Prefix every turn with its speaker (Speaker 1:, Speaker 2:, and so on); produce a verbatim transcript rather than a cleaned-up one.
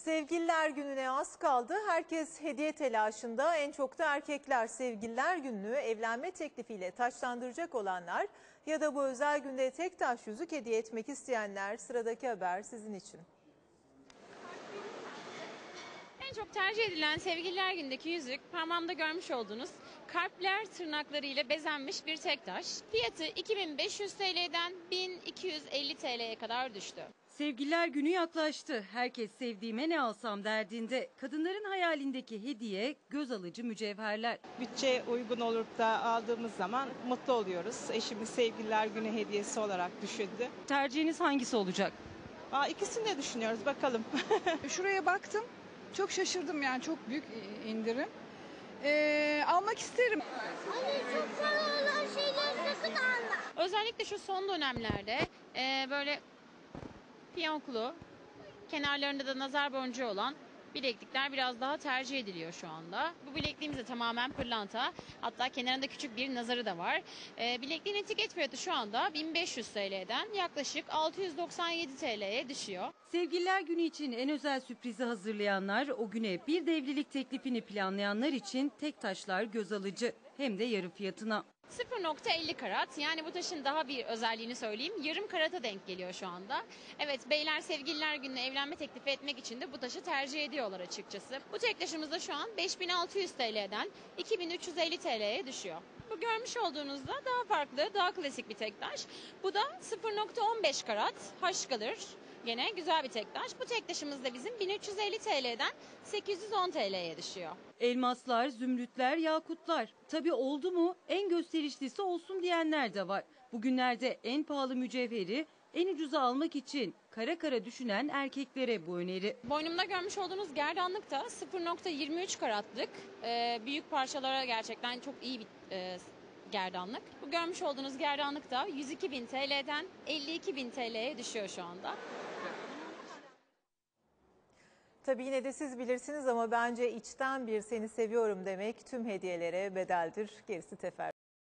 Speaker 1: Sevgililer Günü'ne az kaldı. Herkes hediye telaşında. En çok da erkekler Sevgililer Günü'nü evlenme teklifiyle taçlandıracak olanlar ya da bu özel günde tek taş yüzük hediye etmek isteyenler. Sıradaki haber sizin için.
Speaker 2: En çok tercih edilen Sevgililer Günü'ndeki yüzük parmağımda görmüş olduğunuz kalpler tırnaklarıyla bezenmiş bir tek taş. Fiyatı iki bin beş yüz T L'den bin iki yüz elli T L'ye kadar düştü.
Speaker 3: Sevgililer Günü yaklaştı. Herkes sevdiğime ne alsam derdinde. Kadınların hayalindeki hediye göz alıcı mücevherler.
Speaker 4: Bütçe uygun olup da aldığımız zaman mutlu oluyoruz. Eşimiz Sevgililer Günü hediyesi olarak düşündü.
Speaker 3: Tercihiniz hangisi olacak?
Speaker 4: Aa, ikisini de düşünüyoruz bakalım.
Speaker 5: Şuraya baktım. Çok şaşırdım yani çok büyük indirim. Ee, almak isterim.
Speaker 6: Anne çok pahalı olan şeyleri sakın alma.
Speaker 2: Özellikle şu son dönemlerde e, böyle fiyonklu, kenarlarında da nazar boncuğu olan bileklikler biraz daha tercih ediliyor şu anda. Bu bilekliğimiz de tamamen pırlanta. Hatta kenarında küçük bir nazarı da var. E, bilekliğin etiket fiyatı şu anda bin beş yüz T L'den yaklaşık altı yüz doksan yedi T L'ye düşüyor.
Speaker 3: Sevgililer Günü için en özel sürprizi hazırlayanlar, o güne bir de evlilik teklifini planlayanlar için tek taşlar göz alıcı. Hem de yarı fiyatına.
Speaker 2: sıfır nokta elli karat, yani bu taşın daha bir özelliğini söyleyeyim, yarım karata denk geliyor şu anda. Evet, beyler Sevgililer Günü'ne evlenme teklifi etmek için de bu taşı tercih ediyorlar açıkçası. Bu tek taşımız da şu an beş bin altı yüz T L'den iki bin üç yüz elli T L'ye düşüyor. Bu görmüş olduğunuzda daha farklı, daha klasik bir tek taş. Bu da sıfır nokta on beş karat, haş kalır. Gene güzel bir tek taş. Bu tek taşımız da bizim bin üç yüz elli T L'den sekiz yüz on T L'ye düşüyor.
Speaker 3: Elmaslar, zümrütler, yakutlar. Tabii oldu mu en gösterişlisi olsun diyenler de var. Bugünlerde en pahalı mücevheri en ucuza almak için kara kara düşünen erkeklere bu öneri.
Speaker 2: Boynumda görmüş olduğunuz gerdanlık da sıfır nokta yirmi üç karatlık. Ee, büyük parçalara gerçekten çok iyi bir e, gerdanlık. Bu görmüş olduğunuz gerdanlık da yüz iki bin T L'den elli iki bin T L'ye düşüyor şu anda.
Speaker 1: Tabii yine de siz bilirsiniz ama bence içten bir seni seviyorum demek tüm hediyelere bedeldir. Gerisi teferruat.